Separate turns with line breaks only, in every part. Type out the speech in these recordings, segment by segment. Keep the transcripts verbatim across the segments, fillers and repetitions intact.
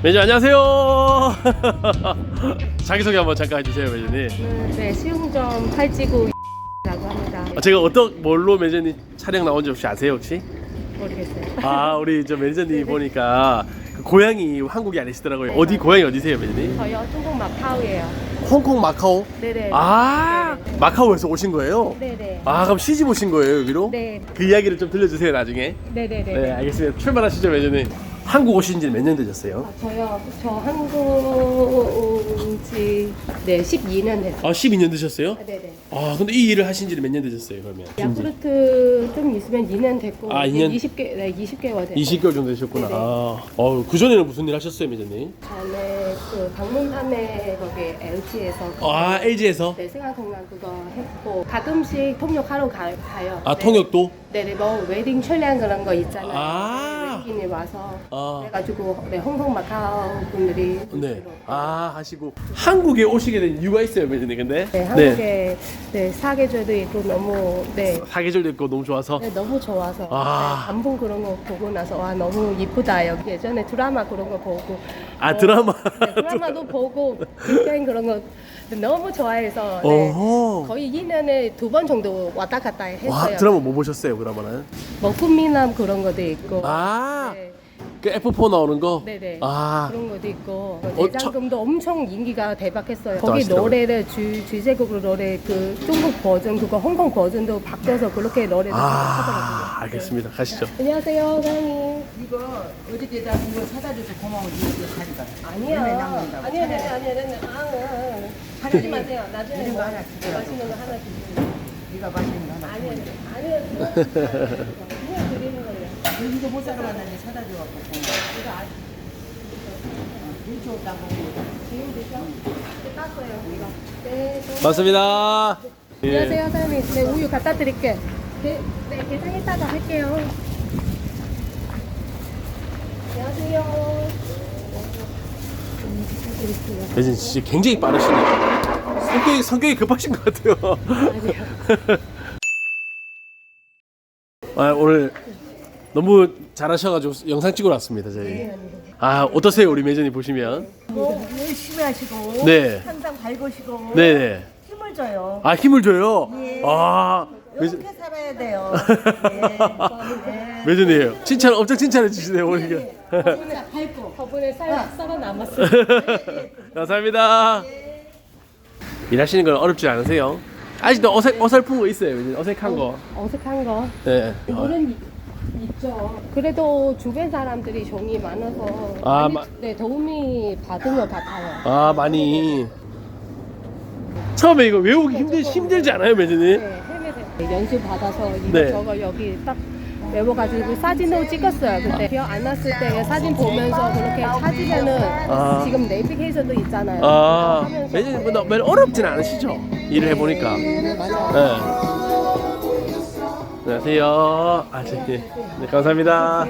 매니저 안녕하세요. 자기소개 한번 잠깐 해주세요, 매니저님.
네, 수영점 팔찌구라고 합니다.
아, 제가 어떤 뭘로 매니저님 촬영 나온지 혹시 아세요 혹시?
모르겠어요.
아 우리 저 매니저님 보니까 그 고향이 한국이 아니시더라고요.
네,
어디
맞아요.
고향이 어디세요, 매니저님?
저요, 중국 마카오예요.
홍콩 마카오?
네네.
아
네네.
마카오에서 오신 거예요?
네네.
아 그럼 시집 오신 거예요 여기로?
네.
그 이야기를 좀 들려주세요 나중에.
네네네.
네 알겠습니다. 출발하시죠 매니저님. 한국 오신 지 몇 년 되셨어요?
아, 저요, 저 한국 온지 네, 십이 년 됐어요.
아 십이 년 되셨어요?
아, 네네.
아 근데 이 일을 하신 지는 몇 년 되셨어요 그러면?
야쿠르트 좀 있으면 이 년 됐고
아, 이 년?
이십 개, 네, 이십 개월 됐어요.
이십 개월 정도 되셨구나.
네네.
아, 어, 그 전에는 무슨 일 하셨어요, 매니저님?
전에 그 방문판에 거기 엘지에서
아, 엘지에서?
네, 생활통장 그거 했고 가끔씩 통역하러 가, 가요.
아,
네.
통역도?
네네, 뭐 웨딩 촬영 그런 거 있잖아요.
아.
네, 외국인이 와서
아.
그래가지고 네, 홍콩 마카오 분들이
네.
주로.
아, 하시고. 한국에 오시게 된 이유가 있어요, 매니저님, 근데?
네, 한국에 네, 사계절도 있고 너무 네,
사계절도 있고 너무 좋아서?
네 너무 좋아서
아.
네, 단풍 그런 거 보고 나서 와 너무 이쁘다 여기 예전에 드라마 그런 거 보고
아,
뭐,
드라마?
네, 드라마도 보고 빅뱅 그런 거 너무 좋아해서 네,
어허.
거의 이 년에 두 번 정도 왔다 갔다 했어요.
와, 드라마 뭐 보셨어요, 드라마는?
뭐 꿈미남 그런 것도 있고
아,
네,
그 에프 사 나오는 거?
네네
아,
그런 것도 있고
어,
대장금도 엄청 인기가 대박했어요. 거기
아시더라고요.
노래를 주 주제곡으로 노래 그 중국 버전 그거 홍콩 버전도 바뀌어서 그렇게 노래를 하더라고요.
아, 알겠습니다. 가시죠.
네. 안녕하세요, 사장님.
이거 어저께 나 이거 사다 줘서 고마워. 이거 가져가.
아니요.
이름에 남긴다고.
아니요, 아니요, 아니요, 아니요. 아, 아, 아. 하지 마세요. 나중에
이런 거
뭐
하나 주세요.
맛있는 거 하나 주세요.
네가 맛있는 거 하나.
아니요, 아니요. 그냥 드리는 거예요.
여기도 못 사러 왔는데 사다 줘갖고.
이거 아,
일주 없다고.
지금 드셔? 이제 땄어요, 이거. 네, 또.
맞습니다. 예.
안녕하세요, 사장님. 네, 우유 갖다 드릴게. 네, 네, 계산 이따가 할게요. 안녕하세요.
매니저님 진짜 굉장히 빠르시네요. 성격이, 성격이 급하신 것 같아요. 아, 오늘 너무 잘하셔가지고 영상 찍으러 왔습니다, 저희. 아, 어떠세요, 우리 매니저님 보시면?
뭐 열심히 하시고.
네.
항상 밝으시고.
네네.
힘을 줘요.
아, 힘을 줘요?
예.
아, 매니저-
이렇게 살아야 돼요. 네.
매니저님, 칭찬, 엄청 칭찬해 주시네요, 오니까.
진짜 밝고.
저번에 살, 썰어 남았어요.
감사합니다. 일하시는 건 어렵지 않으세요? 아직도 어색, 어설픈 거 있어요, 매니저님? 어색한 거.
어색한 거.
네.
이거는 이- 있죠. 그래도 주변 사람들이 종이 많아서
아,
많이,
마-
네, 도움이 받은 것 같아요.
아, 많이. 처음에 이거 외우기 힘들, 힘들지 않아요, 매니저님?
네, 헤매세요. 연수 받아서 이거
네.
저거 여기 딱 외워가지고 사진도 찍었어요. 그때 기억 안 났을 때 사진 보면서 그렇게 찾으면은
아.
지금 내비게이션도 있잖아요.
아,
그거 하면서
매니저님, 뭐, 별 어렵진 않으시죠? 일을 해보니까.
네, 맞아요.
네. 안녕하세요. 아, 네. 네, 감사합니다.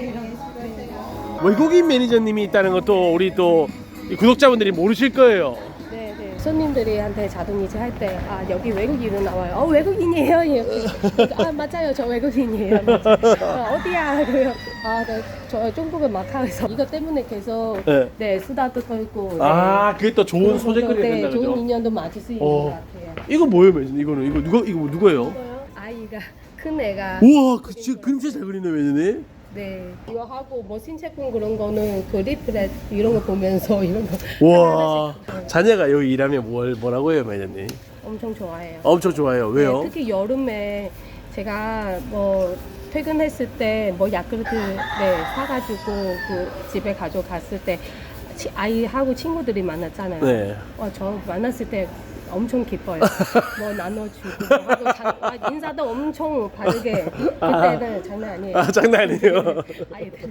외국인 매니저님이 있다는 것도 우리 또 이 구독자분들이 모르실 거예요.
네, 네. 손님들이한테 자동이체 할 때, 아, 여기 외국인으로 나와요. 어, 외국인이에요. 이렇게. 아, 맞아요. 저 외국인이에요. 맞아요. 어, 어디야? 그래요. 아, 네. 저 중국은 마카오에서 이거 때문에 계속
네.
네, 수다도 떨고. 네.
아, 그게 또 좋은 소재거리가
네,
된다,
좋은
그죠?
인연도 맞을 수 있는
어.
것 같아요.
이거 뭐예요, 매니저님? 이거는, 이거 누가, 이거 누구예요?
아이가, 큰 애가.
우와, 그, 진짜 그림 진짜 잘 그리네, 매니저님?
네. 이거 하고 뭐 신체품 그런 거는 그 리플렛 이런 거 보면서 이런 거
우와.
하나하나씩
자녀가 여기 일하면 뭘, 뭐라고 해요, 매니저님?
엄청 좋아해요.
엄청 좋아해요. 왜요?
네, 특히 여름에 제가 뭐 퇴근했을 때 뭐 야쿠르트 네, 사가지고 그 집에 가져갔을 때 치- 아이하고 친구들이 만났잖아요.
네.
어, 저 만났을 때 엄청 기뻐요. 뭐 나눠주고 뭐 하고 장, 아, 인사도 엄청 바르게 그때는 장난 아니에요.
아, 장난 아니에요.
아이들.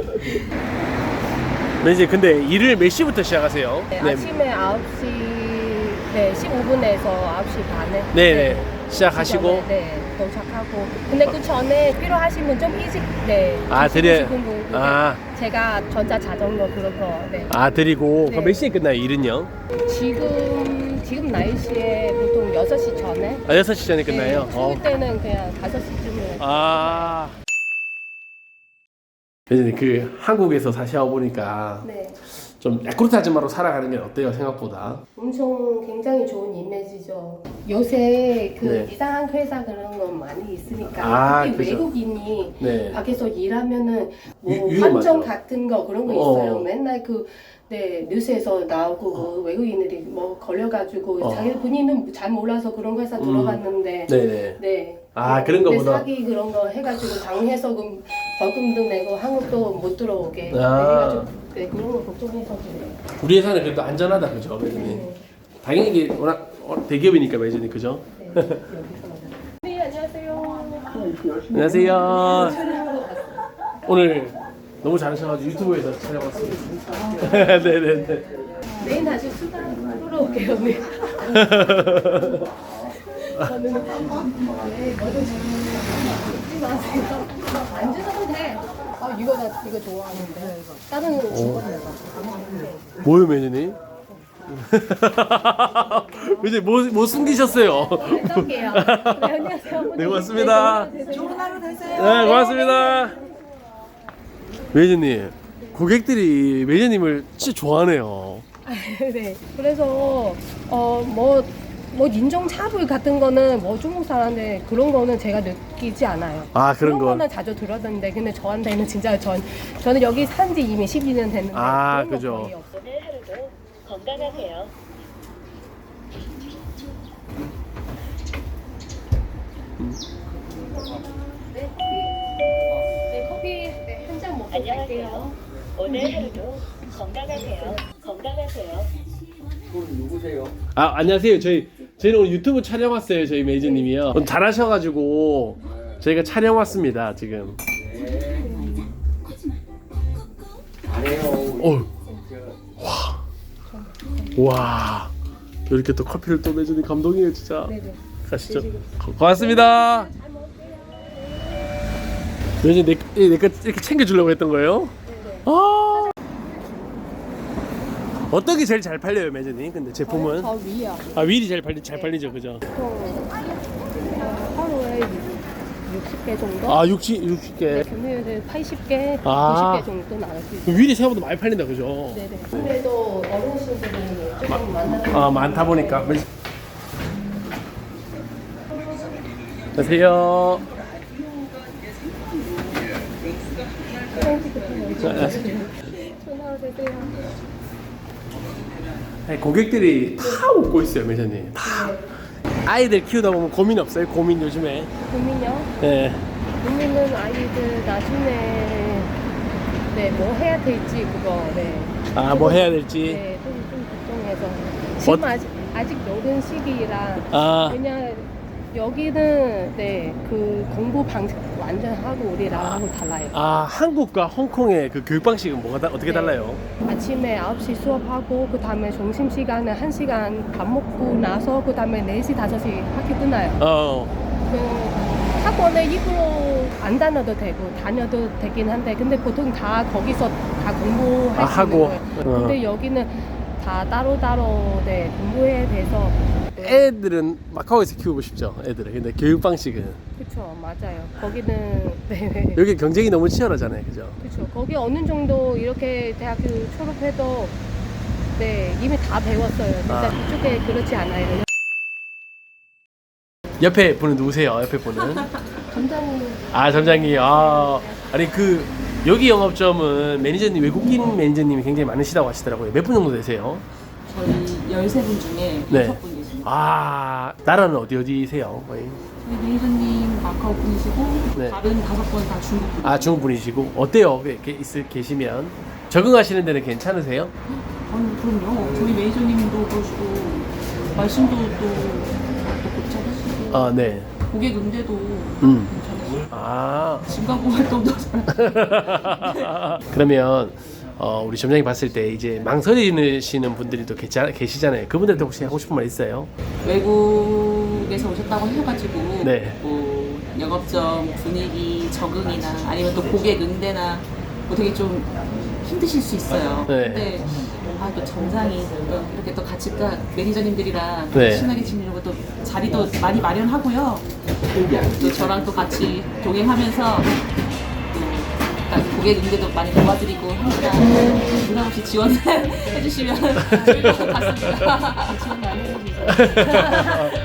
매니저님, 근데 일을 몇 시부터 시작하세요?
네, 아침에 아홉 시 네, 십오 분에서 아홉 시 반에
네네. 시작하시고.
그 전에, 네, 도착하고. 근데 그 전에 필요하시면 좀 일찍 네.
아, 드려-
주시고 싶은 분,
아.
제가 전자 자전거 그런 거. 네.
아, 드리고.
네.
그럼 몇 시에 끝나요, 일은요?
지금 지금 날씨에 보통 여섯 시 전에
아, 여섯 시 전에 끝나요?
네,
어.
추울 때는 그냥 다섯 시쯤에
아. 매니저님, 그 한국에서 사시다 보니까
네.
좀 야쿠르트 아줌마로 살아가는 게 어때요 생각보다?
엄청 굉장히 좋은 이미지죠. 요새 그
네.
이상한 회사 그런 거 많이 있으니까
아,
특히
그죠.
외국인이
네.
밖에서 일하면은 뭐
위- 위험하죠.
환정 같은 거 그런 거 있어요.
어.
맨날 그 네, 뉴스에서 나오고 뭐 외국인들이 뭐 걸려가지고
어.
자기 본인은 잘 몰라서 그런 회사
음.
들어갔는데
네네.
네.
아, 그런
근데
거보다-
사기 그런 거 해가지고 당해서금 벌금도 내고 한국도 못 들어오게 네,
아.
해가지고 네, 그런 거 걱정해서 그래요.
우리 회사는 그래도 안전하다 그죠 매진님?
네.
당연히 이게 워낙 어, 대기업이니까 매진님 그죠?
네, 여기서 네, 안녕하세요.
안녕하세요.
촬영하러 왔어요.
오늘 너무 잘하셔가지고 유튜브에서 촬영왔습니다. 네네네.
내일 다시 수다 풀어 올게요. 네. 저는 네, 뭐든 잊지 마세요. 안 주셔도 돼. 아 이거 나 이거 좋아하는데 다른 중고나라.
뭐요 매진님? 이제 뭐, 뭐 숨기셨어요?
뺄게요. 네, 안녕하세요.
네, 고맙습니다.
네, 좋은 하루 되세요.
네, 고맙습니다. 매니저님, 고객들이 매니저님을 진짜 좋아하네요.
네. 그래서 어뭐 뭐 인종차별 같은 거는 뭐 중국 사람인데 그런 거는 제가 느끼지 않아요.
아, 그런 건.
거는 자주 들었는데 근데 저한테는 진짜 전 저는 여기 산 지 이미 십이 년 됐는데
아,
그런 거
그죠.
거의 없어요.
오늘 하루도 건강하세요.
네, 커피. 네, 커피 네, 한 잔 먹고 갈게요.
안녕하세요. 오늘 하루도 건강하세요. 건강하세요.
아, 안녕하세요. 저희, 저희는 오늘 유튜브 촬영 왔어요. 저희 매니저님이요. 오늘 잘하셔가지고 저희가 촬영 왔습니다. 지금. 어, 와, 와, 이렇게 또 커피를 또 매주니 감동이에요, 진짜.
네네.
가시죠. 고- 고맙습니다. 매니저 내, 내, 내거 이렇게 챙겨주려고 했던 거예요? 아, 어떤 게 제일 잘 팔려요, 매니저님? 근데 제품은?
저 위요.
아, 윌이 제일 팔리 잘 팔리죠, 그죠?
하루에 육십 개 정도?
아, 육십, 육십 개.
금요일에 팔십 개,
아.
구십 개 정도 나갈 수 있어요.
윌이 생각보다 많이 팔린다, 그죠?
네네. 근데도 어르신들이 조금 많아서
아, 많다 보니까. 안녕하세요.
전화 되세요.
아니, 고객들이 다 웃고 있어요, 매니저님. 다. 아이들 키우다 보면 고민 없어요? 고민 요즘에.
고민요?
네.
고민은 아이들 나중에 네, 뭐 해야 될지 그거 네.
아, 뭐 해야 될지.
네, 좀, 좀 걱정해서 지금 아직 아직 노른 시기라
아,
그냥 여기는 네, 그 공부 방식 완전 하고 우리랑 하고 달라요.
아, 한국과 홍콩의 그 교육 방식은 뭐가 다, 어떻게
네.
달라요?
아침에 아홉 시 수업하고 그 다음에 점심시간에 한 시간 밥 먹고 나서 그 다음에 네 시, 다섯 시 학교 끝나요.
어,
그 학원에 입으로 안 다녀도 되고 다녀도 되긴 한데 근데 보통 다 거기서 다 공부할
아,
수
하고.
있는 거예요.
어.
근데 여기는 다 따로따로 네, 공부해야 돼서
애들은 마카오에서 키우고 싶죠, 애들은. 근데 교육 방식은.
그쵸 맞아요. 거기는 네.
여기 경쟁이 너무 치열하잖아요, 그죠?
그쵸 거기 어느 정도 이렇게 대학교 졸업해도 네 이미 다 배웠어요. 진짜
아.
이쪽에 그렇지 않아요.
옆에 분은 누구세요? 옆에 분은?
점장님
아, 점장님. 아, 아니 그 여기 영업점은 매니저님, 외국인 매니저님이 굉장히 많으시다고 하시더라고요. 몇 분 정도 되세요?
저희 열세 분 중에
네.
여섯 분 계십니다.
아, 나라는 어디 어디세요? 거의?
저희 매니저님 마카오 분이시고
네.
다른 다섯 분 다 중국 분.
아, 중국 분이시고 어때요? 이렇게 있을 계시면 적응하시는 데는 괜찮으세요?
아니 그럼요. 저희 매니저님도 그러시고 말씀도 또, 또 곧잘하시고
아, 네.
고객 응대도
음.
괜찮으시고
아.
진광고 활동도 잘.
그러면 어, 우리 점장님 봤을 때 이제 망설이시는 분들이 또 계시- 계시잖아요. 그분들한테 혹시 하고 싶은 말 있어요?
외국에서 오셨다고 하셔가지고
네.
뭐 영업점 분위기 적응이나 아니면 또 고객 응대나 뭐 되게 좀 힘드실 수 있어요.
네.
근데 아, 또 점장이 또 이렇게 또 같이 또 매니저님들이랑
네.
친하게 지내려고 또 자리도 많이 마련하고요. 또 저랑 또 같이 동행하면서 또 약간 고객 응대도 많이 도와드리고 하니까 부담 없이 지원을 해주시면 좋을 것 같습니다.
지원 많이 해주세요.